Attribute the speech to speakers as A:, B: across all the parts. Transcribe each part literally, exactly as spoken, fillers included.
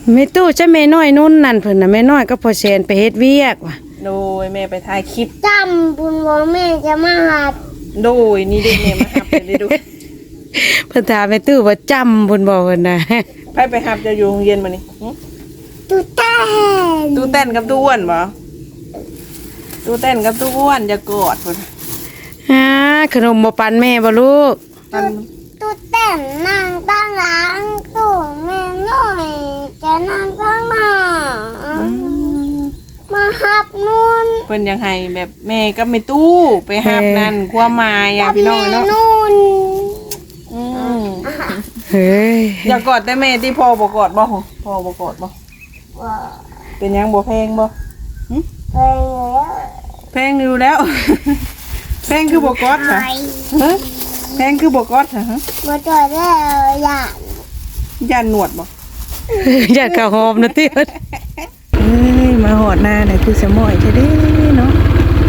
A: แม่ตู้จะแม่น้อยนุ่นนั่นเพิ่นน่ะแม่น้อยก็พอแซนไปเฮ็ดเวียกว่ะ
B: โดยแม่ไปถ่ายคลิป
C: จำบุญว่าแม่จะมาหัด
B: โดยนี่เด็กแม่มาหับเลยดู
A: เพิ่นถามแม่ตู้ว่าจำเพิ่นบอกเพิ่นน่ะ
B: ไปไปหับจะอยู่โรงเรียนมานี่
C: ตู้เต้น
B: ตู้เต้นกับตู้อ้วนบ่ตู้เต้นกับตู้อ้วนอย่ากอดพุ่น
A: ฮะขนมบ่ปันแม่บ่ลูก
B: ปัน
C: ตู้เต้นนั่งตั้งหลังตู้แม่น้อยจะนั่งตั้งหน้ามาหับนู่น
B: เพิ่นยังให้แบบแม่ก็ไม่ตู้ไปหับนั่นความหมายอ่ะพี่น้องเนาะ
C: นู่น
A: เฮ้ย
B: อย่ากอดแต่แม่ที่พ่อบ่กอดบ่พ่อบ่กอดบ่เป็นยังบ่แพงบ่
C: แพงอยู่แล้ว
B: แพงอยู่แล้วแพงคือบ่กอดค่ะฮะแพงคือบ่กอดค่ะฮะ
C: บ่จอดแล้วย่าน
B: ย่านหนวดบ่
A: อยากกะหอมนะติเอ้ยมาหอดหน้าน่ะคือสมอยแท้เด้เนาะ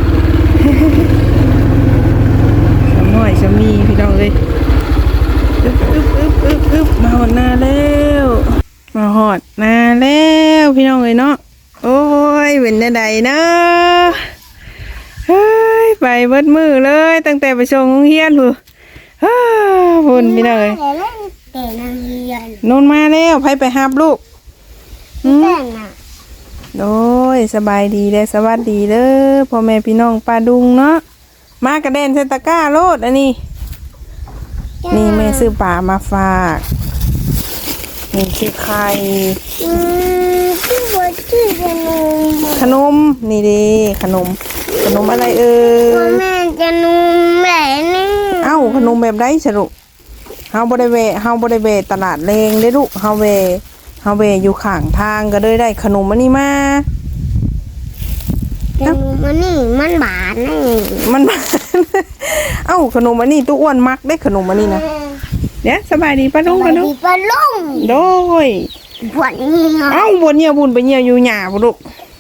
A: สมอยสมีพี่น้องเอ้ยอึ๊บอึ๊บอึ๊บอึ๊บอึ๊บมาหอดหน้าแล้วมาหอดหน้าแล้วพี่น้องเอ้ยเนาะโอ้ยเป็นจังไดเนาะเฮ้ยไปเบิดมือเลยตั้งแต่ไปส่งโรงเรียนพู่ฮ่าพุ่นพี่น้องเอ้ย
C: แต่นางเรียน
A: นนมาแล้วไผไปหาบลูก
C: แต่น่ะ
A: โอ้ยสบายดีเลยสวัสดีเด้อพ่อแม่พี่น้องป้าดุงเนาะมากระเด็นเซตะก้าโลดอันนี้นี่แม่ซื้อปลามาฝากนี่คือไข่
C: ที่บัวที่ขนม
A: ขนมนี่ดิขนมขนมอะไรเอ่ย
C: แม่จะนมแบบนี้
A: เอ้าขนมแบบไดสรุปเฮาบ่ได้เวเฮาบ่ได้เวตลาดเลงเด้ลูกเฮาเวเฮาเวอยู่ข้างทางก็เลยได้ขนมอันนี้มา
C: ขนมอันนี้มันบานนี่
A: มันบานเอ้าขนมอันนี้ตู้อ้วนมักได้ขนมอันนี้นะเนี่ยสบายดีป้าลุงป้าลุง
C: ป้าลุง
A: โดย
C: บวชนี่
A: เอ้าบวชเนี่ยบุญไปเนี่ยอยู่หญ้าบ่ลูก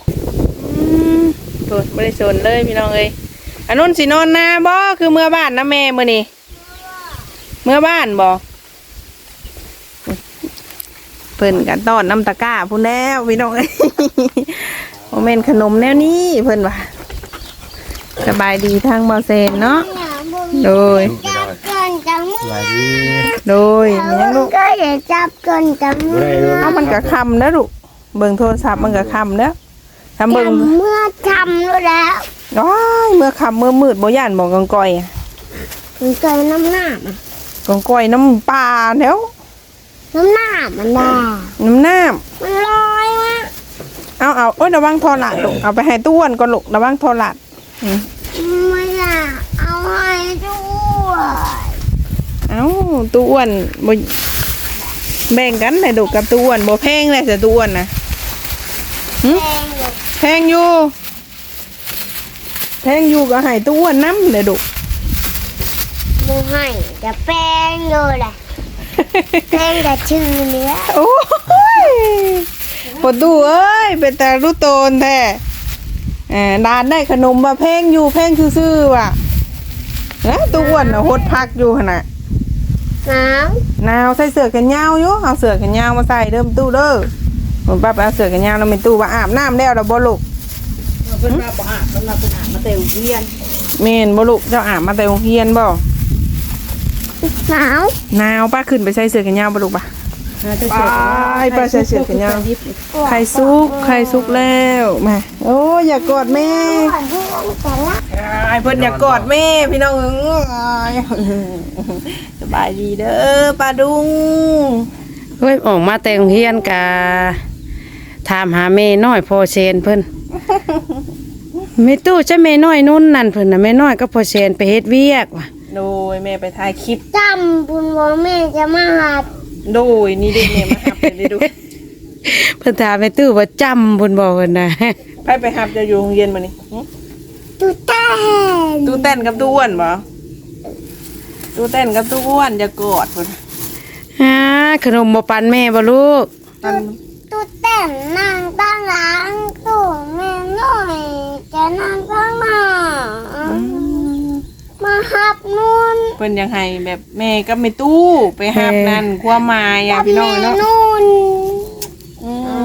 A: โดยบ่ได้สนเลยพี่น้องเอ้ยอันนู้นสินอนนาบ่คือเมื่อบ้านนะแม่มื้อนี้เมื่อบ้านบ่เพิ่นกันต้อนน้ำตะก้าพูนแล้วพี่น้องเอ้ยโมเมนขนมแนวนี้เพิ่นว่าสบายดีทางบ่เซนเนาะโดย
C: จับเกินจังมือ
A: โดยเนี่ยลูก
C: ก็อย่าจับเกินจังมือ
A: เอามันก็ค่ำแล้วลูกเบิ่งโทรศัพท์มันก็ค่ำแล้วทำเบิ่ง
C: เมื่อทำแล้ว
A: ว้ายเมื่อค่ำเมื่อมืดบ่ย่านบ่กังก้อย
C: กังก้อยน้ำหน้า
A: กังก้อยน้ำปลาแล้ว
C: น้ำหน้ามันได้
A: น้ำน้
C: ำมันลอยมา
A: เอาเอาโอ้ยระวังทอหลัดลูกเอาไปให้ตู้อ้วนก่อนลูกระวังทอหลัด
C: ไม่อยากเอาให้ด้วย
A: เอาตู้อ้วนบ่แบ่งกันเลยลูกกับตู้อ้วนบ่แพงเลยแต่ตู้อ้วนนะแพงอยู่แพงอยู่ก็ให้ตู้อ้วนน้ำเลยลูก
C: บ่ให้จะแป้งอยู่แหละแป้งแต่ชื่อเนื้อ
A: โอ้ยปวดดูเอ้ยเป็นแต่รู้โตนแท้อ่าดานได้ขนมมาแพงอยู่แพงซื่อๆว่ะนะตู้อ้วนน่ะหดพักอยู่ขนาด
C: หนาว
A: หนาวใส่เสื้อแขนยาวอยู่เอาเสื้อแขนยาวมาใส่เดิมตู้เด้อผมป้าไปเอาเสื้อแขนยาวแล้วเป็นตู้ว่าอาบน้ำแล้วเราบ่ลูก
B: เพิ่นว่าบ่อาบเพิ่นว่าเพิ่นอาบมาแต่โรงเรียน
A: แม่นบ่ลูกเจ้าอาบมาแต่โรงเรียนบ่
C: หนาว
A: หนาวป้าขึ้นไปใส่เสื้อแขนยาวบ่ลูกป่ะไปป้าใส่เสื้อแขนยาวไข่ซุกไข่ซุกแล้วมาโอ้อย่ากอดแม่ไอ้เพิ่นอย่ากอดแม่พี่น้องสบายดีเด้อป้าดุงเฮ้ยออกมาแต่งเฮียนกะถามหาแม่น้อยพอเชนเพิ่นแม่ตู้จะแม่น้อยนุ่นนั่นเพิ่นน่ะแม่น้อยก็พอเชนไปเฮ็ดเวียกว่ะ
B: โดยแม่ไปถ่ายคลิป
C: จำบุญว่าแม่จะมาหัด
B: โดยนี่เด็กแม่มาหับเลยดู
A: เพิ่นถามแม่ตู้ว่าจำเพิ่นบอกเพิ่นน่ะ
B: ไปไปหับจะอยู่โรงเรียนมานี่
C: ตู้เต้น
B: ตู้เต้นกับตู้อ้วนบ่ตู้เต้นกับตู้อ้วนอย่ากอดพุ่น
A: ฮะขนมบ่ปันแม่บ่ลูก
C: ตู้เต้นนั่งตั้งหลังตู้แม่น้อยจะนั่งตั้งหน้ามาหับนู่น
B: เพิ่นยังให้แบบแม่ก็ไม่ตู้ไปหับนั่นความหมายอ่ะพี่น้องเนาะ
C: นู่น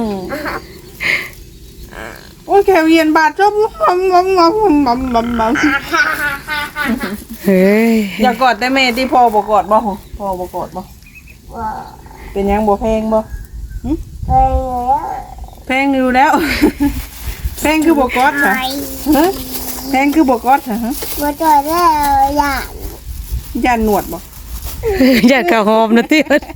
B: แขวเย็นบาดจมมอมมอมมอมมอมมอมมอม
A: เฮ้ย
B: อย่ากอดได้แม่ที่พ่อบ่กอดบ่พ่อบ่กอดบ่
C: ว่า
B: เป็นยังบ่แพงบ่
C: ไปแล้ว
B: แพงอยู่แล้ว แพงคือบ่กอด
C: ไป
B: ค่ะฮะแพงคือบ่กอดค่ะฮะ
C: มาจอดแล้วอย่า
B: ย่านหนวดบ่
A: อยากกะหอมนะติ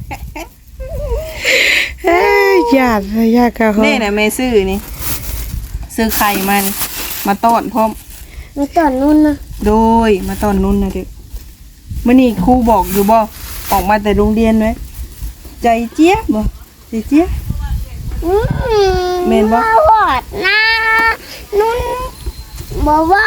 A: เอ้ยอยากอยากกะหอม
B: นี่น่ะแม่ซื้อนี่ซื้อไข่มานี่มาต้อนพร้อม
C: มาจอดนู่นนะ
B: โดยมาตอนนู้นนะเด็กมื่อนี้ครูบอกอยู่บ่ออกมาแต่โรงเรียนไหมใจเจี๊ยบบ่ใจเจี๊ยบ
C: อืม
B: เมนบ่
C: มาหอดนะนุ่นบอกว่า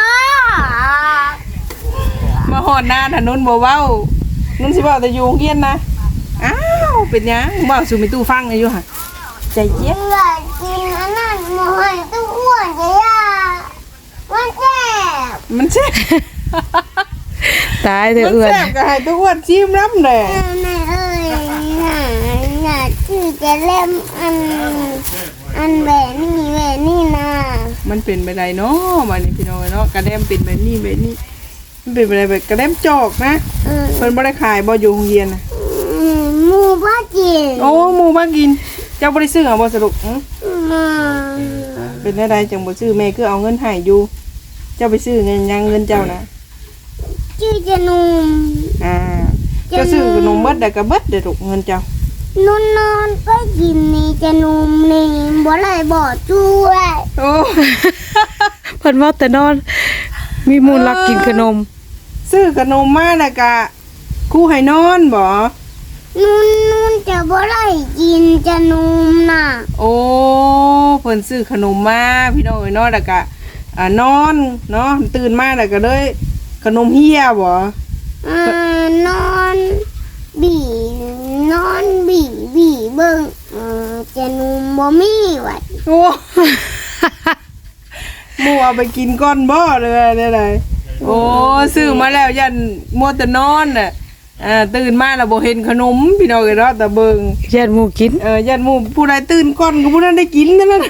B: มาหอดหน้าถนนบ่เว้านุ่นสิเว้าแต่อยู่โรงเรียนนะอ้าวเป็นหยังเว้าสู่มีตู้ฟังเลยอยู่ห่ะใจเจี๊ยบ
C: อยากกินอันนั้นหมูหันตู้อ้วนจะยามันแซ่บ
B: มันแซ่บ
A: ตายเถ
B: มั
A: อะ
B: น
A: เอื้อน
B: แซ่บก็ให้ตัวอ้วนชิมน้ำแหน่
C: แม่เอ้ยอยากที่จะเล่มอันอันแบบนี้แบบนี้นะ
B: มันเป็นไปได้เนาะมานี่พี่น้องเนาะกระเดมเป็นแบบนี้แบบนี้มันเป็นไปได้แบบกระเดมจอกนะ
C: เออ
B: เพิ่นบ่ได้ขายบ่อยู่โรงเรียนน่ะ
C: หมูบ้ากิน
B: โอ้หมู่บ้านกินเจ้าบ่ได้ซื้อเอาบ่สรุปอื้อ
C: มา
B: เป็นได้จังบ่ซื้อแม่คือเอาเงินให้อยู่ เจ้าไปซื้อเงินยังเงินเจ้านะ
C: ชื่อจะนุ่ม
B: อ่าเจ้าซื้อขนมเบิดได้ก็เบิดได้ถูกเงินเจ้า
C: นุ่นนอนก็กินนี่จะนุ่มนี่บ่ไรบ่ช่วย
B: โอ้
A: เพิ่นว่าแต่นอน มีมูลรักกินขนม
B: ซื้อขนมมาแล้วก็ครูให้นอนบ่
C: นุ่นนุ่นจะบ่ไรกินจะนุ่มน่ะ
B: โอ้เพิ่นซื้อขนมมาพี่น้องเอ้ยเนาะแล้วก็อ่านอนเนาะตื่นมาแล้วก็เลยขนมเฮียบ่
C: อ่านอนบีนอนบีบีเบิ่งเออจะนุ่มบ่มีวัด
B: โอ้ หมู่เอาไปกินก่อนบ่เลยได้ไดโอ้ซื้อมาแล้วยันมัวแต่นอนน่ะอ่าตื่นมาแล้วบ่เห็นขนมพี่น้องเอ้ยเนาะแต่เบิ่ง
A: ญาติหมู่กิน
B: เออยันหมู่ผู้ใดตื่นก่อนก็ผู้นั้นได้กินนั่นน่ะ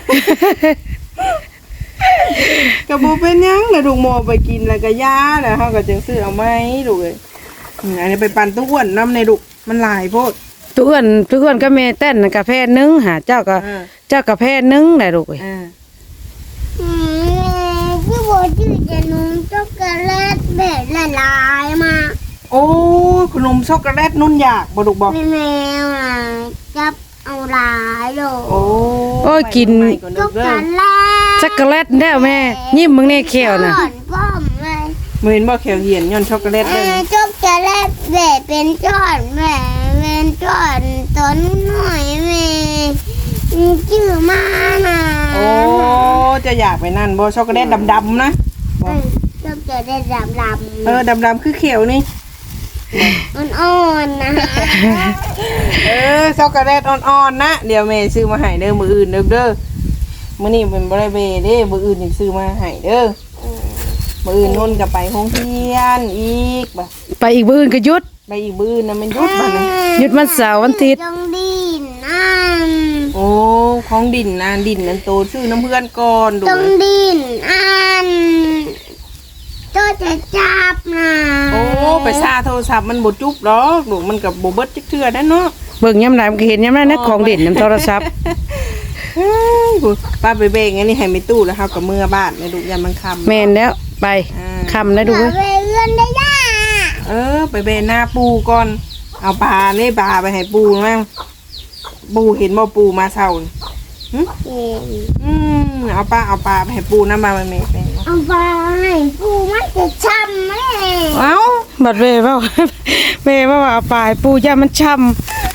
B: ก็บ่เป็นหยังนะลูกหมอไปกินแล้วก็ยาแล้วเฮาก็จังซื้อเอาไหมลูกเอ้ยอืมอันนี้ไปปั่นตู้อ้วนน้ำในลูกมันหลายโพด
A: ทุกคนทุกคนก็แม่เต้นกาแฟนึงหาเจ้าก็
B: เออ
A: เจ้ากาแฟนึงได้ลูกเอ้ย
B: อ่า
C: อืมคือบ่ชื่อจะนุ่มช็อกโกแลตแบบละลายมา
B: โอ้ขนมช็อกโกแลตนุ่นอยากบ่ลูกบ่
C: แม่แมวน่ะจับเอาหลายโล
B: โอ้
A: โอ้ยกิน
B: ไปก่อน
C: ช็
B: เด้
C: อ
B: อก
C: โก
B: เด้อ
C: แลต
A: ช็อกโกแลตแล้วแม่ยิ้มมึงแน่แขวน่ะ
C: ก่อนป้อมเลย
B: บ่เห็นบ่แขวเหียนย้อนช็อกโกแลต
C: เอ
B: เด้อ
C: อช็อกโกแลตแบบเป็นก้อนแม่เป็นก้อนตัวน้อยๆแม่ชื่อมาน่ะ
B: โอ้จะอยากไปนั่นบ่ช็อกโกแลตดำๆนะ
C: เออช็อกโกแลตดำ
B: เออดำๆคือเขียวนี่
C: ๆอ่อนๆนะ
B: เออช็อกโกแลตอ่อนๆนะเดี๋ยวแม่ซื้อมาให้เด้อมื้ออื่นเด้อเด้อมื้อนี้เป็นบ่ได้เบเด้มื้ออื่นนี่ซื้อมาให้เด้อมื้ออื่นนุ่นก็ไปโรงเรียนอีกบ่
A: ไปอีกมื้ออื่นก็หยุด
B: ไปอีกมื้ออื่นน่ะมันหยุดบัดนี้
A: หยุดวันเสาร์วันอาทิตย์
C: ต้องดินนั่น
B: โอ้ของดินนะดินนั่นโตซื้อน้ำเพื่อนก่อนดู
C: ต้องดินอันก็จะจับนะ
B: โอ้ไปซาโทรศัพท์มันบ่จุบดอกดูมันก็บ่เบิดจักเทื่อได้เนาะ
A: เบิ่งยามใดมันก็เห็นยามนั้นนะของเด่นนํโทรศัพท์
B: เฮ้ยกูป้าไปเบ่งอันนี้ให้ไม่ตู้แล้วเฮาก็เมื่อบ้านแม่ดูยามมันค่ำ
A: แม่นแล้วไป
B: อ่า
A: คำแล้วดู
C: เดี๋ยว
A: เว้ย
C: ไปเลื่อนได้ย่า
B: เออไปเบ่หน้าปูก่อนเอาปลานี่ปลาไปให้ปูมั่งปูเห็นบ่ปูมาเช้านี่หึอืมเอาปลาเอาปลาไปให้ปูนำมาแม่แม่แม่
C: เอาไปปูมันจะช้ำไหม
B: เอ้า
A: บัดเวเว้า เวว่าว่าเอาไปปูย่ามันช้ำ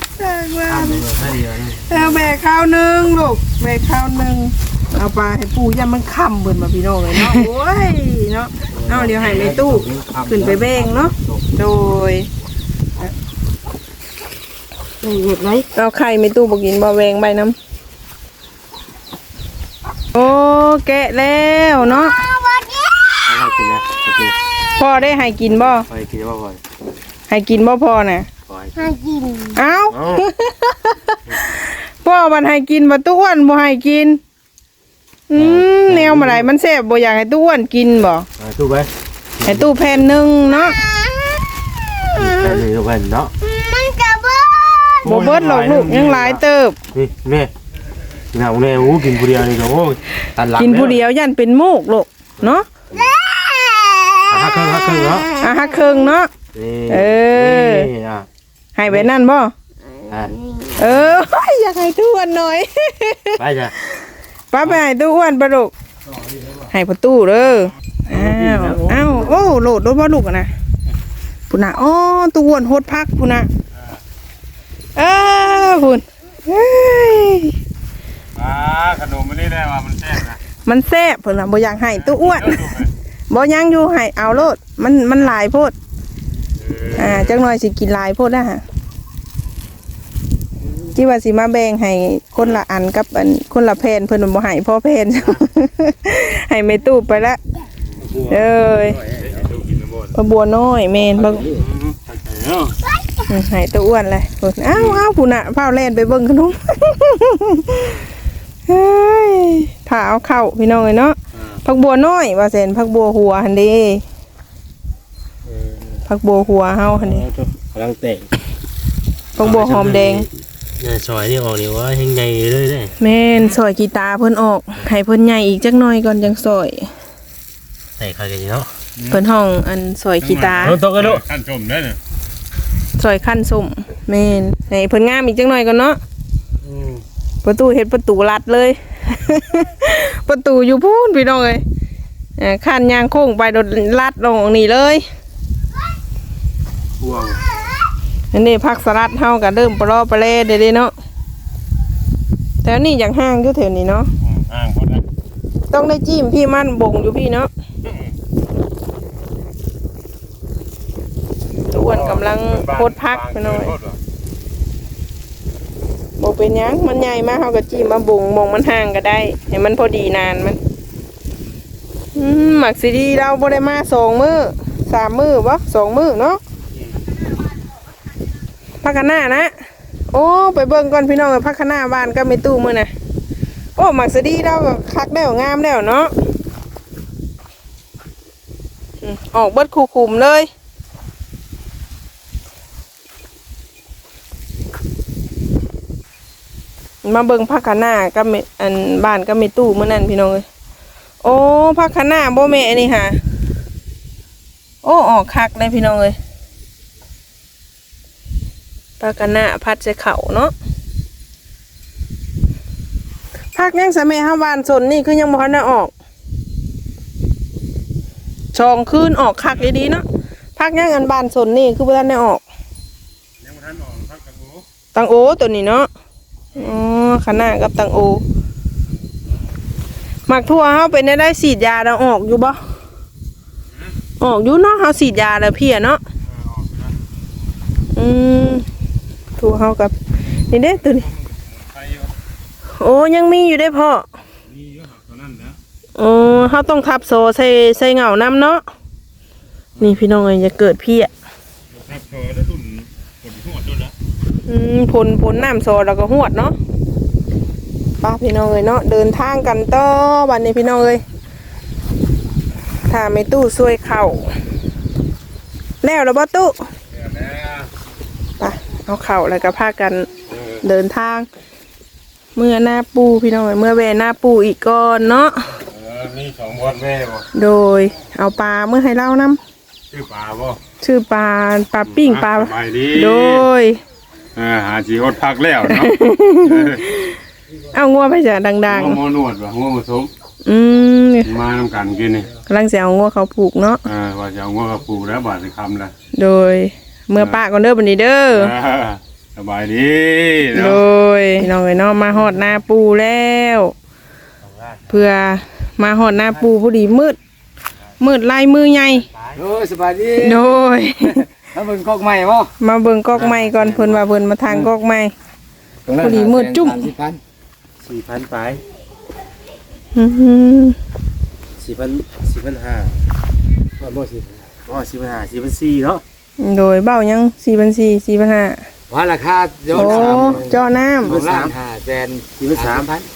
B: เอาแบกข้าวหนึงลูกแบกข้าวหนึงเอาปลาให้ปูย่ามันค่ำเบิ่นมาพี่น้องเลยเนาะโอ้ยเนาะเอาเดี๋ยวให้ในตู้ขึ้นไปเบ่งเนาะโดย
A: เห็ดไร
B: เอาไข่ในตู้บ่กินบ่แวงใบน้ำโอ้แกะแล้วเนาะ
C: เอาไปดิ
D: เอากินนะเอากิน
B: พ่อได้ให้กินบ่
D: พอกินว่าพอ
B: ให้กินบ่พ่อน่ะ
D: พอ
C: มากิน
B: เอ้า
D: เอ้า
B: พ่อมันให้กินบ่ตู้อ้วนบ่ให้กิน
A: อืมแนวมาไหนมันแซ่บบ่อยากให้ตู้อ้วนกินบ่
D: เอาตู้ไป
A: ให้ตู้แผ่นหนึงเนาะ
D: แค่นี้ตู้ไปเนาะ
C: มันกระเบิด
A: บ่เบิดหรอกลูกยังหลายเติบ
D: นี่แม่กินเอาแน่โอ้กินผู้เดียวนี่ก็โอ้ยตันหลัง
A: กินผู้เดียวยันเป็นโมกลูกเนาะ
D: อ่ะฮักเครื่องฮักเครื่องเนาะ
A: อ่ะฮักเครื่องเนาะ
D: นี่
A: เออ
D: นี่อ่ะ
A: ให้ไปนั่นบ่
D: อ่ะ
A: เออ อยากให้ตู้อ้วนหน่อย
D: ไปจ้ะ
A: ป้าไปให้ตู้อ้วนปะลูกให้ประตูเด้ออ้าวอ้าวโอ้โหลดรถบ่ลูกอะนะพุ่นน่ะอ๋อตู้อ้วนโหดพักพุ่นน่ะเออพุ่นเฮ้ย
D: อ่าขนมมันนี่ได้ว่ามันแซ่บนะ
A: มันแซ่บพุ่นน่ะบ่อยากให้ตู้อ้วนบ่ยังอยู่ให้เอาโลดมันมันหลายโพดอ่าจักหน่อยสิกินหลายโพดนะฮะจิว่าสิมาแบ่งให้คนละอันกับอันคนละแผ่นเพิ่นบ่ให้พ่อแผ่น ให้แม่ตู้ไปละเอ้ยปลาบัวน้อยแม่นบ่อืมให้ตัวอ้วนเลยพุ่นอ้าวอ้าวพุ่นน่ะพาแล่นไปเบิ่งขนม เฮ้ยถ้าเอาเข้าพี่น้องเอ้ยเนาะผักบัวน้อยว่าแซ่นผักบัวหัวหั่นเด้ผักบัวหัวเฮาหั่นเด้
D: กำลังเตะ
A: ผักบัวหอมแดง
D: เนี่ยซอยนี่ออกนี่ว่าเฮงใหญ่เลยเด้
A: แม่นซอยกีตาร์เพิ่นออกให้เพิ่นใหญ่อีกจักหน่อยก่อนจังซอย
D: ใส่ข้าวกันเนาะ
A: เพิ่นห้องอันซอยกีตาร์
D: ตกกันลูก
E: ขั้นชมได้เนี่ย
A: ซอยขั้นส้มแม่นให้เพิ่นงามอีกจักหน่อยก่อนเนาะประตูเฮ็ดประตูลัดเลย ประตูอยู่พูนพี่น้องเอ้ยอ่าขั้นยางโค้งไปโดนลัดลงนี่เลย
D: พวง
A: อันนี้ผักสลัดเฮาก็เริ่มปลอปลาเล่เด้ๆเนาะแต่อันนี้อย่างห้างอยู่แถวนี้เนาะ
E: อ่างคนละ
A: ต้องได้จิ้มพี่มันบ่งอยู่พี่เนาะตะอ้วนกำลังโคตรพักไปหน่อยบ่เป็นหยังมันใหญ่มากเฮาก็จิ้มมาบ่งบ่งมันห่างก็ได้ให้มันพอดีนานมันอืมหมักซีดีเราบ่ได้มาสองมื้อสามมื้อบ่สองมื้อเนาะพักกันหน้านะโอ้ไปเบิ่งก่อนพี่น้องพักกันหน้าบ้านก็ไม่ตู้มื้อน่ะโอ้หมักซีดีเราก็คักแล้วงามแล้วเนาะอืมออกเบิดคู่คุมเลยมาเบิ่งพักกันหน้าก็มีอันบ้านก็มีตู้มื้อนั้นพี่น้องเอ้ยโอ้พักกันหน้าบ่แม่นี่ค่ะโอ้ออกคักเลยพี่น้องเอ้ยพักกันหน้าพัดใส่เข่าเนาะพักยังสะแม่เฮาบ้านสนนี่คือยังบ่ทันได้ออกชองคืนออกคักดีๆเนาะพักยังอันบ้านสนนี่คือบ่ทันได้ออก
E: ยังไม่ทันออกพักกันหมู
A: ตังโอตัวนี้เนาะอ๋อขนาดกับตังโอหมักทั่วเฮาเป็นได้ได้ฉีดยาแล้วออกอยู่บ่ออกอยู่เนาะเฮาฉีดยาแล้วเพียเนาะอืมทั่วเฮากับนี่เด้ตัวนี้
E: ไปอยู่
A: โอ้ยังมีอยู่ได้พ่อ
E: นี่เยอะหักตัวนั้นนะ
A: โอ้เฮาต้องทับโซใส่ใส่เหงาน้ำเนาะนี่พี่น้องเอ้ยจะเกิดเพีย
E: ครับเธอแล้วรุ่นคนที่หัวด้วยนะ
A: อืมผลผลน้ำโซแล้วก็หวดเนาะป้าพี่น้องเอ้ยเนาะเดินทางกันต่อวันนี้พี่น้องเอ้ยถ้าไม่ตู้ช่วยเข่าแล้วแล้วบ่ตู้
E: เดี๋ยวแล้ว
A: ไปเอาเข่าแล้วก็พากันเดินทาง เมื่อหน้าปูพี่น้องเอ้ยเมื่อแวหน้าปูอีกก่อนเนาะ
E: เออมีสองวันแม่บ่
A: โดยเอาปลาเมื่อให้เล่านํ
E: ชื่อปลาบ่
A: ชื่อปลาปลาปิ้งปลา
E: สบายดี
A: โดย
E: เออหาจีอดพักแล้วเนาะ
A: เอางัวไปจ้ะดัง
E: หัวหมอนวดบ่หัวผสม
A: ๆอืม
E: มานำกันกินนี่
A: กำลังจะเอางัวเขาผูกเนาะ
E: เออว่าจะเอาหัวกับปูแล้วบาดสิคำละ
A: โดยเมื่อป้าก่อนเด้อบันนี้เด้อ
E: เออสบายดี
A: โด
E: เนาะ
A: ยน้องเอ้ยเนาะมาหอดหน้าปูแล้ว เพื่อมาหอดหน้าปูพอดีมืด มืดลายมือใหญ่
D: โอ้ยสบายดี
A: โดย
D: แล้วเบิ่งกอกใหม่บ่
A: มาเบิ่งกอกไม้ก่อนเพิ่นว่าเพิ่นมาทางกอกไม้ พอดีมืดจุ้ม
D: สี่พันไป
A: อื้อหือ
D: สี่พันสี่พันห้าบ่บ่สี่อ๋อสี่พันห้าสี่พันสี่เนาะ
A: โดยเบ้ายังสี่พันสี่ สี่พันห้า
D: ว่าราคา
A: โอ้เจาะน้ำ
D: สี่พันสามห้าแสนสี่พันสามพัน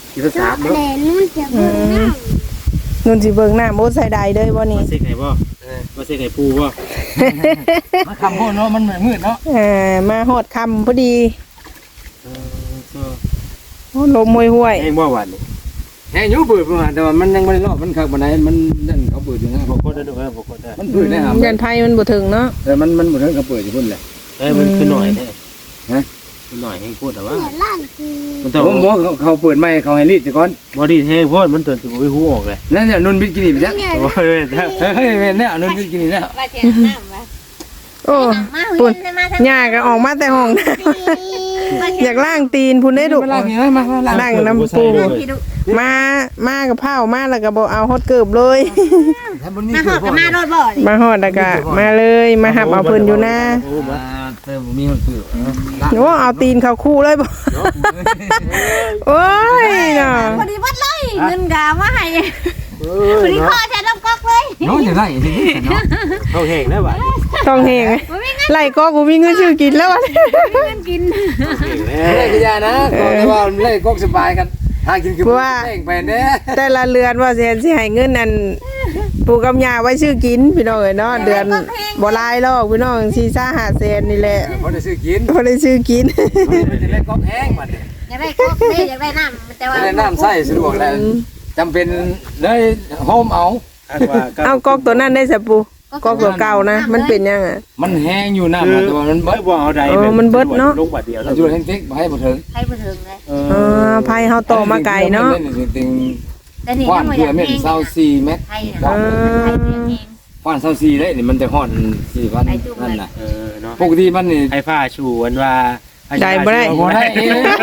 D: กินภาษา
C: แด
D: เนาะ
C: ดนู่นจะเบิ่งน้
A: นุ่นสิเบิ่งหน้าโมใส่ใดเด้อบ่นี่
D: มาเซ็กไห้บ่มาเซ็กไห้ปูบ่มาคำพ่อเนาะมันมืดเนาะ
A: เออมาฮอดค่ำพอดี
D: เออก็
A: โอ้ลมห่วย
D: แห้งบ่หวานนี่แห้งอยู่เปิดประมาณแต่ว่ามันยังบ่ได้รอบมันคักบ่ได้มันนั่นเขาเปิดอยู่นะบ่กดได้ด้วยบ่กดได้มันเปิดได้หา
A: ๆยันไผมันบ่ถึงเนาะ
D: แต่มันมันบ่ถึงกับเปิดอยู่พุ่นแหละเอ้ยมันคือหน่อยแท้ฮะคือหน่อยแห้งพูดแต่ว่า
C: ำเดี๋ยวล้านคือ
D: มันต้องบ่เขาเปิดใหม่เขาให้รีดซะก่อนบ่รีดแห้งโพดมันตื่นสิบ่ฮู้ออกเลยนั่นน่ะนุ่นบิดกินนี่ไปจ้ะโอ้ยเฮ้ยแม่นแน่นุ่นบิดกินนี่แล้ว
C: ว่าจะน้ำวะ
A: โอ้
C: มา
A: ปุ่น
C: เห็นมาทาง
A: หญ้าก็ออกมาแต่ห้องน้ำอยากล้างตีนพุ่นได้ดุ
D: มาล้างนี่มามาล้าง
A: ล้างน้ำปูมา มากับเผามาแล้วก็บ่เอาฮอดเกิบเลย
C: มาหอดกับมารถบ่เลย
A: มาฮอดแล้วก็มาเลยมาหับเอาเพิ่นอยู่นะ
D: โอ้มาเติมบ่มีมันเปื้อน
A: โอ้เอาตีนเข้าคู่เลยบ่โอ้ยเนาะ
C: พอดีวัดเลยเงินกามาให้พอดีพ่อแทนน้ำก๊อกเลย
D: น้องจะได้สิเนาะเขาแห้งแล้วบัด
A: ต้องเฮงไล่ก็กูมีเงินชื่อกินแล้วอะ
C: เงินกิน
D: เล่นกันยานะก่อนว่าเล่นก๊กสบายกันหากินคือเล่นไปเด้
A: แต่ละเรือนว่าสิสิให้เงินนั่นปู่กับย่าไว้ชื่อกินพี่น้องเอ้ยเนาะเดือนบ่หลายหรอกพี่น้องสี่ ห้าแสนนี่แหละ
D: บ่ได้ซื้อกิน
A: บ่ได้ชื่อกิน
D: มันจะเล่นก๊กแห้งบัด
C: อยากได้ก๊อกเลยอยากได้น้ำแต่ว่า
D: เล่นน้ำใส่สะดวกแล้วจำเป็นเลยโฮมเอา
A: เอากอกตัวนั้นได้ซะปู่กอกตัวเก่านะมันเป็นยังอ่ะ
D: มันแห้งอยู่น้ำแต่ว่ามันเบิด
E: บ่เอาใด
A: เออมันเบิดเนาะ
E: ลงบาทเดียวแล้ว
D: จุดแห้งเต็กให้บ่ถึง
C: ให้ไปถึงเลย
D: เอ
A: เออภัยเฮาโตมาไกลเนาะ
D: ติง
C: แต่นี่
D: ควาน
C: ยังไม่
D: เพื่
C: อ
D: อย
C: าก
D: เม็ด
C: เอง
D: เศร้าสี่เม็ด
C: ให้นะให้เพียงเอง
D: ควานเศร้าสี่ได้นี่มันแต่ฮ้อนสี่พันนั่นน่ะ
E: เออเนาะ
D: ปกติมันนี่
E: ให้ผ้าชูวันว่า
A: ได้บ่ได้
D: บ่ได้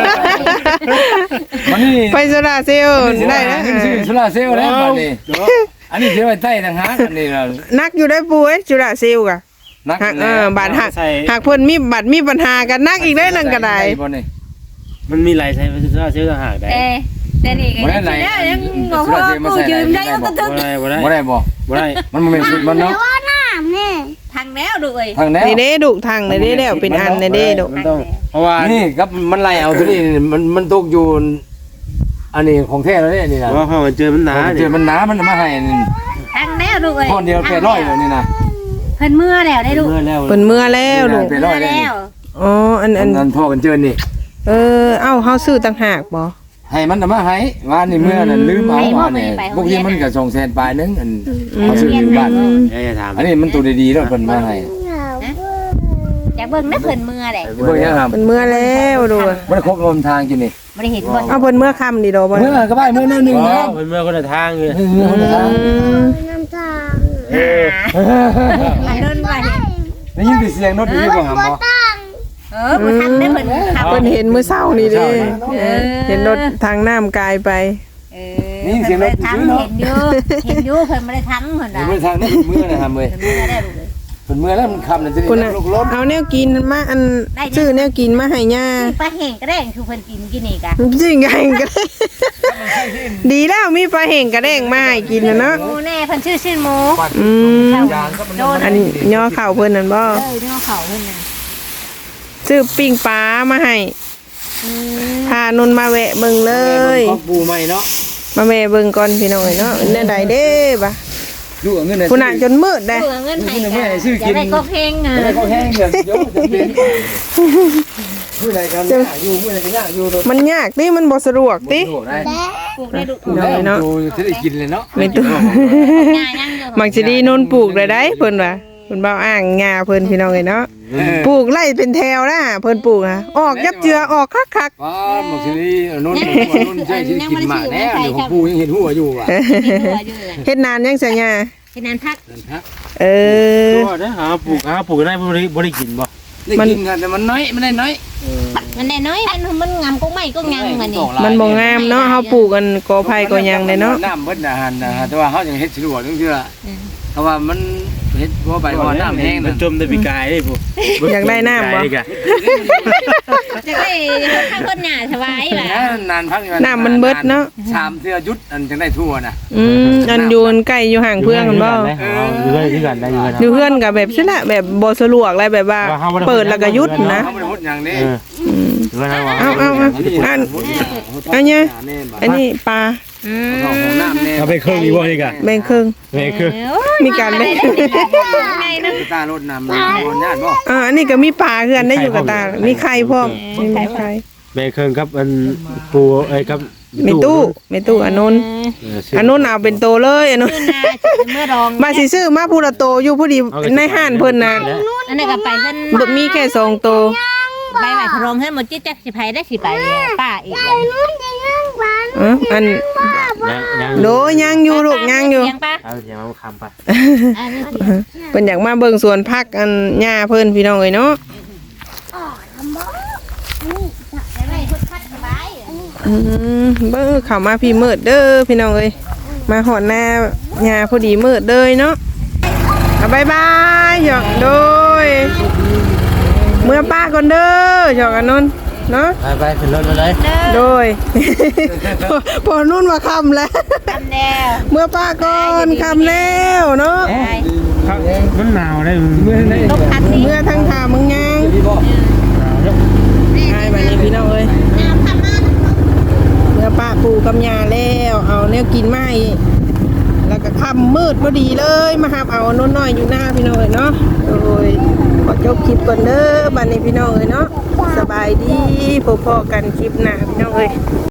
D: มันนี่
A: ไฟโซลาร์เซลล์ได้นะ
D: ซื้อโซลาร์เซลล์แล้วบัดนี้อันนี้เสียไว้ใต้ต่างหากอันนี้ล่ะ
A: นักอยู่ได้ปู่เอ้ยโซลาร์เซลล์กะ
D: นัก
A: หักเออบาดหักหักเพิ่นมีบัตรมีปัญหากันนักอีกได้นั่นก็ได้
D: บ่นี่
E: มันมีหลายใช้มันจะเชื่อต่างหากได้
C: เอ๊แต่นี่ก็ยังยังบอกว่ากูยืมได้ก็ต้อง
E: บ่ได้บ่ได้
D: บ่ได้บ่
E: บ่ได้
D: มันบ่แม่นสุดมันเนาะ
C: ว่าน้ำเนี่ยทางแล้วด้วย
D: ทางแนว
A: นี่เด้ดุทางนี่เด้แล้วเป็นอันนี่เด้ดุ
E: มันต้องเพราะว่า
D: นี่ครับมันไล่เอาตัวนี้มันมันตกอยู่อันนี้ของแท้แล้วเนี่ยนี่นะ
E: เพราะว่ามันเจอมันหนา
D: เจอมันหนามันมาให้นี่
C: ทางแล้วด้วย
D: ก้อนเดียวแปดร้อยเลยนี่นะ
C: เพิ่นเมื่อแล้วได้ดู
E: เมื่อแล้ว
A: เพิ่นเมื่อแล้วดุ
D: แปดร้อยเลย
C: แล้ว
A: อ๋ออัน
D: อั
A: อั
D: น
A: น
D: นั้นพ่อกันเจอนี่
A: เออเอ้าเฮาซื้อต่างหากบ่
D: ให้มันมาให้ว่านี่เมื่อนั้นลืมเอาว่าเนี่ยพวกนี้มันก็ส่งแสนปลายนึงอันเขาซื้ออยู่บ้าน
E: เอ้ยถาม
D: อันนี้มันตัวดีๆแล้วเพิ่นมาให้
C: อยากเบิ่งนะเพิ่นเมื่อแหละ
D: เบิ่งยังครับ
A: เพิ่นเมื่อแล้วดุ
D: บ่ได้ครบรวมทางกินนี่
C: ไม่ได้เห็นบ่
A: เอาเพิ่นเมื่อค่ำนี่ดอกบ่
D: เมื่อก็ไปเมื่อนั่นนึงนะ
E: เมื่อเมื่อคนละทางเลย
D: เมื่อคนละทาง
C: น้ำตา
D: ได้
C: เดินไป
D: ยินเสียงรถอยู่บ่หำบ่
C: เออบ่ทันได้เพิ่นขับ
A: เพิ่นเห็นมื้อเช้านี่เด้เออเห็นรถทางน้ำกายไป
C: เออเห็นอยู่เห็นอยู่เพิ่นบ่ได้ทั้งเพิ่นน่ะ
D: เมื่อทางนี้เมื่อนะครับเว้ย
C: เพิ่นเมื่อได้ลูกเลย
D: เพิ่นเมื่อแล้วมันคำนั่นสิ
A: คุณน่ะ
D: ลูกรถ
A: เอาแนวกินมาอันซื้อแนวกินมาให้ย่า
C: ปลาแห้งก็ได้คือเพิ่นกินกินนี่กะ
A: จริงไงก็ได้ดีแล้วมีปลาเห่งกระแดงมาให้กินนะเนาะ
C: หมูแน่เพิ่นชื่อชื่อหมู
A: อืม
C: โดน
A: อันย่อเข่าเพิ่นนั่นบ่
C: เออเนื้อเขาเพิ่นน่ะ
A: ซื้อปิ้งปลามาให้
C: อืม
A: พานนมาแวะเบิ่งเลย
D: ครอบปูใหม่เนาะ
A: มาแวะเบิ่งก่อนพี่น้องเอ้ยเนาะแนวใดเด้บ่ะ
D: ดูเงิน
A: คุณน่ะจนมืดได้
C: เบื่อเงินให้กันอยากได้ก็เพลงอ่ะ
D: แล้วก็แห้งเดี๋ยวเดี๋ยวจะเป็นผู้ใดกันอยู่ผู้ใดกันยากอยู่
A: มันยากติมันบ่สะดวกติ
D: ได้
C: ปลูกได้ดุ
A: พี่น้องเอ้ยเนาะ
D: จะได้กินเลยเนาะ
A: ในตู้
C: ง่ายยังอยู่
A: มักสิดีนนปลูกได้ได้เพิ่นว่าเพิ่นเว้าอ้างงาเพิ่นพี่น้องเอ้ยเนาะปลูกไล่เป็นแถวนะเพิ่นปลูกอ่ะออกยับเจือออกคัก
D: ว้าหมกสิรินุ่นนุ่นใช่ที่กินหมาแน่เดี๋ยวของปูยังเห็นหัวอยู่ว่ะ
A: ๆเฮ็ดนานยังซะย่า
C: เป็นนั้นพัก
A: เออ
E: ก็ได้หาปลูกหาปลูกได้บ่ได้บ่ได้กินบ่
D: ได้กินกันแต่มันน้อยมันได้น้อย
C: มันแน่น้อยมันมันงามก็ไม่ก็ยังมันนี่
A: มันบ่งามเนาะเฮาปลูกกันกอไผ่กอหยังเลยเนาะ
D: น้ำเบิดอาหารนะฮะแต่ว่าเขายังเฮ็ดสะดวกนึงเชื่อเพราะว่ามันเฮ็ดว่าไปว่าน้ำแห้ง
E: มัน
D: นะ
E: จมได้ปีกายได้ผู้
A: อยากได้น้ำบ่
C: จะได้ข้างคนหน้าสบายล่ะ
D: นานพัก
A: น้ำมันเบิดเนาะ
D: ชามเสื้อยุดอันจังได้ทั่วนะ
A: อืมอันอยู่ใกล้อยู่ห่างเพื่อนกันบ่
E: อยู่ได้ที่กันได้อยู่กัน
A: อยู่เพื่อนก็แบบซี่ละแบบบ่สะดวกอะไรแบบว่า เปิดแล้วก็หยุดนะ
D: เขาไม่ได้พูดอย่างนี้
A: อืม
E: เพื่อนเอา
A: เอาเอาเอาอันอันเนี้ยอันนี้ปลา
D: เข้าห้องน้ำแน่
E: เอาไปเครื่องอีกบ่นี่กะ
A: แบ่งครึ่ง
E: ไปเครื่อง
A: มีการแบ่ง
D: ตารถน้ำน้ำคนญาติบ่
A: อ่าอันนี้ก็มีปลาคือกันได้อยู่กับตา มีไข่พร้อมมีไข่
E: ไปเครื่องครับอันปูไอ้ครับ
A: เมตู้เมตู้อนนท์อนนท์เอาเป็นโตเลยอนนท์
F: เมื่อรอง
A: มาสิซื้อมาพูละโตอยู่พอดีในห้านเพิ่นน่ะ
F: อันนั้นก็ไปขึ้น
A: บ่มีแค่สองโต
F: ใบใหม่พรมให้หมดจิ๊กจักสิไผได้สิไปป้าอีก
C: นู่นจะย่างบ้าน
A: เอออัน
E: ยังยัง
A: โดยังอยู่ลูกยังอยู่
F: ยังป้า
E: เอาเสียงเอาคำไป
F: อันนี้
A: เพิ่นอยากมาเบิ่งสวนผักอันหญ้าเพิ่นพี่น้องเอ้ยเนาะอืมเบิ่งเข้ามาพี่มืดเด้อพี่น้องเอ้ยมาหอดหน้าหญ้าพอดีมืดเด้อเนาะอ่ะบ๊ายบายหยอกโดยเมื่อป้าก่อนเด้อหยอกอันนนท์เนาะ
E: ไปไปขึ้นรถมาเลย
A: โดย พอพอนุ่นมาคำแล้ว
F: ทำแล้ว
A: เมื่อป้าก่อนคำแล้วเนาะ
E: มันหนาวได้
F: ลบคันนี้
A: เมื่อทั้งถามึงยังใช่แบบนี้พี่น้องเอ้ยเมื่อป้าปูกำยาแล้วเอาเนี่ยกินไม้แล้วก็ค่ำมืดพอดีเลยมาหาเอาโน้นน้อยอยู่หน้าพี่น้องเอ้ยเนาะโอ้ยขอจบคลิปก่อนเด้อบัดนี้พี่น้องเอ้ยเนาะสบายดีพบๆกันคลิปหน้าพี่น้องเอ้ย